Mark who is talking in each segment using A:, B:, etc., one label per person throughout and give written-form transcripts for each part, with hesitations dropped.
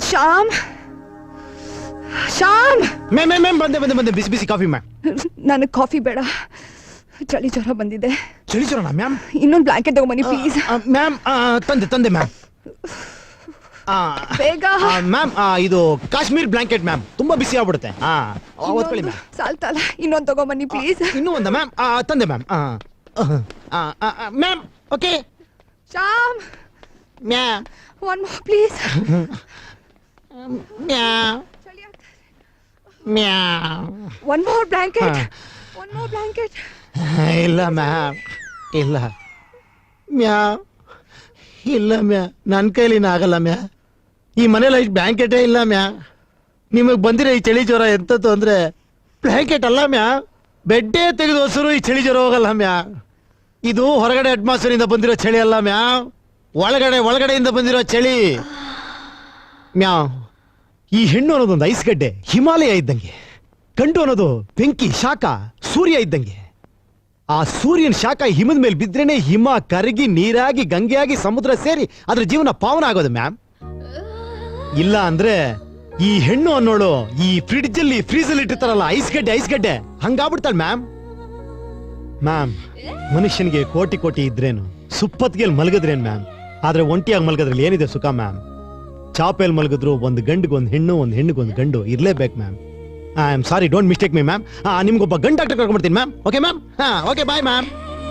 A: Shyam Shyam
B: ma'am ಬಂದೆ ಬಿಸಿ ಬಿಸಿ ಕಾಫಿ ಮ್ಯಾಮ್.
A: ನನಗೆ ಕಾಫಿ ಬೇಡ, ಚಳಿ ಜ್ವರ ಬಂದಿದೆ.
B: ಚಳಿ ಜ್ವರನಾ ಮ್ಯಾಮ್?
A: ಇನ್ನೊಂದು ಬ್ಲಾಂಕೆಟ್ ತಗೊಂಬನ್ನಿ ಪ್ಲೀಸ್.
B: ಮ್ಯಾಮ್ ತಂದೆ ಮ್ಯಾಮ್.
A: ಬೇಗ
B: ಮ್ಯಾಮ್ ಇದು ಕಾಶ್ಮೀರ್ ಬ್ಲಾಂಕೆಟ್ ಮ್ಯಾಮ್, ತುಂಬಾ ಬಿಸಿ ಆಗ್ಬಿಡುತ್ತೆ. ಓದ್ಕೊಳ್ಳಿ ಮ್ಯಾಮ್.
A: ಸಾಲ್ತಲ್ಲ, ಇನ್ನೊಂದು ತಗೊಂಬನ್ನಿ ಪ್ಲೀಸ್.
B: ಇನ್ನೂ ಒಂದ ಮ್ಯಾಮ್? ತಂದೆ ma'am. Ma'am okay.
A: Shyam
B: ma'am
A: one more please.
B: Ma'am ma'am
A: one more blanket, one more blanket.
B: ಇಲ್ಲ ಮ್ಯಾಮ್, ಇಲ್ಲ ಮ್ಯಾಮ್, ಇಲ್ಲ ಮ್ಯಾ, ನನ್ನ ಕೈಲಿನ ಆಗಲ್ಲ ಮ್ಯಾ. ಈ ಮನೇಲಿ ಇಷ್ಟು ಬ್ಲ್ಯಾಂಕೆಟೇ ಇಲ್ಲ ಮ್ಯಾ. ನಿಮಗೆ ಬಂದಿರೋ ಈ ಚಳಿ ಜ್ವರ ಎಂತದ್ದು ಅಂದ್ರೆ ಬ್ಲ್ಯಾಂಕೆಟ್ ಅಲ್ಲ ಮ್ಯಾ, ಬೆಡ್ಡೇ ತೆಗೆದು ಹೊಸರು ಈ ಚಳಿ ಜ್ವರ ಹೋಗಲ್ಲ ಮ್ಯಾ. ಇದು ಹೊರಗಡೆ ಅಟ್ಮಾಸ್ಫಿಯರಿಂದ ಬಂದಿರೋ ಚಳಿ ಅಲ್ಲ ಮ್ಯಾ, ಒಳಗಡೆಯಿಂದ ಬಂದಿರೋ ಚಳಿ ಮ್ಯಾ. ಈ ಹೆಣ್ಣು ಅನ್ನೋದೊಂದು ಐಸ್ ಗಡ್ಡೆ, ಹಿಮಾಲಯ ಇದ್ದಂಗೆ. ಗಂಡು ಅನ್ನೋದು ಬೆಂಕಿ, ಶಾಖ, ಸೂರ್ಯ ಇದ್ದಂಗೆ. ಆ ಸೂರ್ಯನ ಶಾಖ ಹಿಮದ ಮೇಲೆ ಬಿದ್ರೇನೆ ಹಿಮ ಕರಗಿ ನೀರಾಗಿ ಗಂಗೆಯಾಗಿ ಸಮುದ್ರ ಸೇರಿ ಅದ್ರ ಜೀವನ ಪಾವನ ಆಗೋದು ಮ್ಯಾಮ್. ಇಲ್ಲ ಅಂದ್ರೆ ಈ ಹೆಣ್ಣು ಅನ್ನೋಳು ಈ ಫ್ರಿಡ್ಜ್ ಅಲ್ಲಿ ಫ್ರೀಜ್ ಅಲ್ಲಿ ಇಟ್ಟಿರ್ತಾರಲ್ಲ ಐಸ್ ಗಡ್ಡೆ ಹಂಗಾಗ್ಬಿಡ್ತಾಳೆ ಮ್ಯಾಮ್. ಮ್ಯಾಮ್, ಮನುಷ್ಯನಿಗೆ ಕೋಟಿ ಕೋಟಿ ಇದ್ರೇನು, ಸುಪ್ಪತ್ತಿಗೆಲ್ ಮಲಗಿದ್ರೇನು ಮ್ಯಾಮ್, ಆದ್ರೆ ಒಂಟಿಯಾಗಿ ಮಲಗದ್ರಲ್ಲಿ ಏನಿದೆ ಸುಖ ಮ್ಯಾಮ್. ಚಾಪೆಲ್ ಮಲಗಿದ್ರು ಒಂದು ಗಂಡಿಗೊಂದು ಹೆಣ್ಣು, ಒಂದು ಹೆಣ್ಣಿಗೊಂದು ಗಂಡು ಇರ್ಲೇಬೇಕು ma'am. I am sorry, don't mistake me ma'am. ನಿಮ್ಗೊಬ್ಬ ಗಂಡು ಡಾಕ್ಟರ್ ಕರ್ಕೊಂಡ್ಬರ್ತೀನಿ ma'am. Okay ma'am? Okay bye ma'am.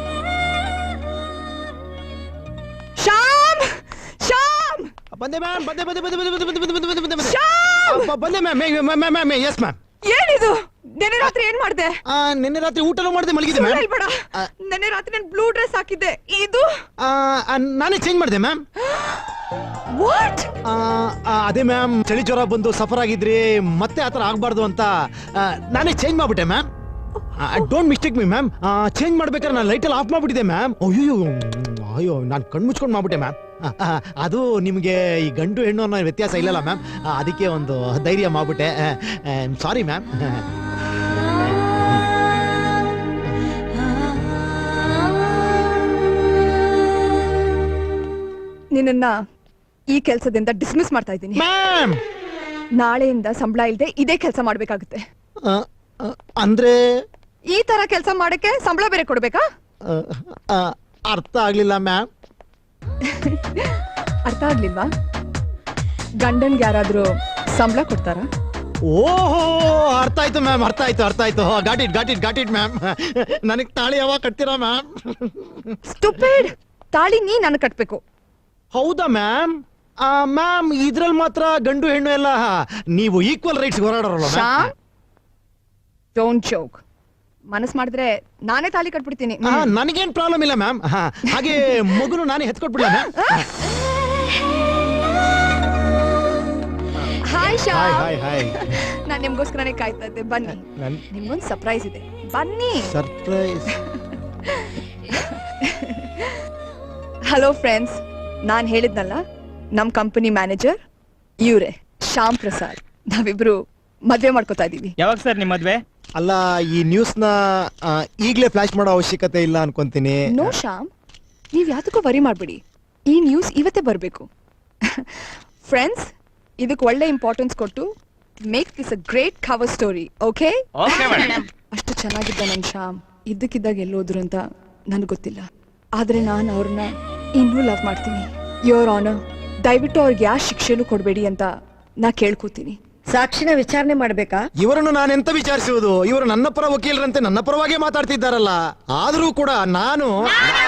A: Shyam Shyam
B: ಬಂದೆ ಮ್ಯಾಮ್, ಬಂದೆ
A: ಶ್ಯಾಮ್
B: ಮ್ಯಾಮ್. Yes ma'am.
A: ಏನಿದು? ನೆನ್ನೆ ರಾತ್ರಿ ಏನ್ ಮಾಡ್ದೆ?
B: ನಿನ್ನೆ ರಾತ್ರಿ ಊಟನೂ ಮಾಡಿದೆ, ಮಲಗಿದೆ ಮ್ಯಾಮ್.
A: ಹೇಳ್ಬೇಡ. ನೆನ್ನೆ ರಾತ್ರಿ ನಾನು ಬ್ಲೂ ಡ್ರೆಸ್ ಹಾಕಿದ್ದೆ, ಇದು
B: ನಾನೇ ಚೇಂಜ್ ಮಾಡಿದೆ ಮ್ಯಾಮ್.
A: ವಾಟ್?
B: ಅದೇ ಮ್ಯಾಮ್, ಚಳಿ ಜ್ವರ ಬಂದು ಸಫರ್ ಆಗಿದ್ರಿ, ಮತ್ತೆ ಆತರ ಆಗ್ಬಾರ್ದು ಅಂತ ನಾನೇ ಚೇಂಜ್ ಮಾಡ್ಬಿಟ್ಟೆ ma'am. Don't mistake me ma'am. Change ಮಾಡ್ಬೇಕಾದ್ರೆ ನಾನು ಲೈಟಲ್ಲಿ ಆಫ್ ಮಾಡ್ಬಿಟ್ಟಿದೆ ಮ್ಯಾಮ್. ಅಯ್ಯೋ ನಾನು ಕಣ್ಣು ಮುಚ್ಕೊಂಡು ಮಾಡ್ಬಿಟ್ಟೆ ಮ್ಯಾಮ್. ಅದು ನಿಮಗೆ ಈ ಗಂಡು ಹೆಣ್ಣು ಅನ್ನೋ ವ್ಯತ್ಯಾಸ ಇಲ್ಲಲ್ಲ ಮ್ಯಾಮ್, ಅದಕ್ಕೆ ಒಂದು ಧೈರ್ಯ ಮಾಡ್ಬಿಟ್ಟೆ. Sorry ma'am.
A: ನಿನ್ನ ಈ ಕೆಲಸದಿಂದ ಡಿಸ್ಮಿಸ್ ಮಾಡ್ತಾ ಇದ್ದೀನಿ
B: ಮ್ಯಾಮ್.
A: ನಾಳೆಯಿಂದ ಸಂಬಳ ಇಲ್ಲದೆ ಇದೇ ಕೆಲಸ ಮಾಡ್ಬೇಕಾಗುತ್ತೆ.
B: ಅಂದ್ರೆ
A: ಈ ತರ ಕೆಲಸ ಮಾಡಕ್ಕೆ ಸಂಬಳ ಬೇರೆ ಕೊಡ್ಬೇಕಾ?
B: ಅರ್ಥ ಆಗ್ಲಿಲ್ಲ ಮ್ಯಾಮ್.
A: ಅರ್ಥ ಆಗ್ಲಿಲ್ವಾ? ಗಂಡನ್ಗೆ ಯಾರಾದ್ರೂ ಸಂಬಳ ಕೊಡ್ತಾರ?
B: ಓಹೋ, ಅರ್ಥ ಆಯ್ತು ಮ್ಯಾಮ್, ಅರ್ಥ ಆಯ್ತು. Got it ma'am. ನನಗ್ ತಾಳಿ ಯಾವಾಗ ಕಟ್ತೀರಾ ಮ್ಯಾಮ್?
A: ಸ್ಟುಪಿಡ್, ತಾಳಿ ನೀ ನನಗೆ ಕಟ್ಬೇಕು.
B: ಹೌದಾ ಮ್ಯಾಮ್? ಮ್ಯಾಮ್, ಇದ್ರಲ್ಲಿ ಮಾತ್ರ ಗಂಡು ಹೆಣ್ಣು ಎಲ್ಲ ನೀವು ಈಕ್ವಲ್ ರೈಟ್ಸ್ ಹೋರಾಡೋರಲ್ಲ ಮ್ಯಾಮ್.
A: Don't joke. ಮನಸ್ ಮಾಡಿದ್ರೆ ನಾನೇ ತಾಳಿ ಕಟ್ಬಿಡ್ತೀನಿ.
B: ನನಗೇನ್ ಪ್ರಾಬ್ಲಮ್ ಇಲ್ಲ ಮ್ಯಾಮ್. ಹಾಗೆ ಮಗುನು ನಾನೇ ಹೆತ್ಕೊಟ್ಬಿಡ್ಲ ಮ್ಯಾಮ್.
A: ಹಾಯ್ ಶ್ಯಾಮ್.
B: ಹಾಯ್.
A: ನಾನು ನಿಮ್ಗೋಸ್ಕರನೇ ಕಾಯ್ತಾ ಇದ್ದೆ. ಬನ್ನಿ, ನಿಮ್ಗೊಂದು ಸರ್ಪ್ರೈಸ್ ಇದೆ. ಬನ್ನಿ.
B: ಸರ್ಪ್ರೈಸ್?
A: ಹಲೋ ಫ್ರೆಂಡ್ಸ್, ನಾನು ಹೇಳಿದ್ನಲ್ಲ ನಮ್ ಕಂಪನಿ ಮ್ಯಾನೇಜರ್ ಇವ್ರೆ, ಶ್ಯಾಮ್ ಪ್ರಸಾದ್. ನಾವಿಬ್ರು ಮದ್ವೆ ಮಾಡ್ಕೋತಾ ಇದೀವಿ.
C: ಯಾವಾಗ ಸರ್ ನಿಮ್ ಮದ್ವೆ?
B: ಅಲ್ಲ, ಈ ನ್ಯೂಸ್ ನ ಈಗ್ಲೇ ಫ್ಲಾಶ್ ಮಾಡೋ ಅವಶ್ಯಕತೆ ಇಲ್ಲ ಅನ್ಕೊಂತೀನಿ.
A: ನೋ ಶ್ಯಾಮ್, ನೀವ್ ಯಾತಕ್ಕೂ ವರಿ ಮಾಡ್ಬಿಡಿ. ಈ ನ್ಯೂಸ್ ಇವತ್ತೇ ಬರ್ಬೇಕು. ಫ್ರೆಂಡ್ಸ್, ಇದಕ್ಕೆ ಒಳ್ಳೆ ಇಂಪಾರ್ಟೆನ್ಸ್ ಕೊಟ್ಟು make this a great cover story. Okay? ಅಷ್ಟು ಚೆನ್ನಾಗಿದ್ದ ನನ್ ಶ್ಯಾಮ್ ಇದ್ದಕ್ಕಿದ್ದಾಗ ಎಲ್ಲೋದ್ರು ಅಂತ ನನಗೆ ಗೊತ್ತಿಲ್ಲ. ಆದ್ರೆ ನಾನು ಅವ್ರನ್ನ ಇನ್ನೂ ಲವ್ ಮಾಡ್ತೀನಿ. ಯೋರ್ ಆನರ್, ದಯವಿಟ್ಟು ಅವ್ರಿಗೆ ಯಾವ ಶಿಕ್ಷೆನೂ ಕೊಡಬೇಡಿ ಅಂತ ನಾ ಕೇಳ್ಕೊತೀನಿ.
D: ಸಾಕ್ಷಿನ ವಿಚಾರಣೆ ಮಾಡ್ಬೇಕಾ?
B: ಇವರನ್ನು ನಾನೆಂತ ವಿಚಾರಿಸುವುದು? ಇವರು ನನ್ನ ಪರ ವಕೀಲರಂತೆ ನನ್ನ ಪರವಾಗಿ ಮಾತಾಡ್ತಿದ್ದಾರಲ್ಲ. ಆದ್ರೂ ಕೂಡ ನಾನು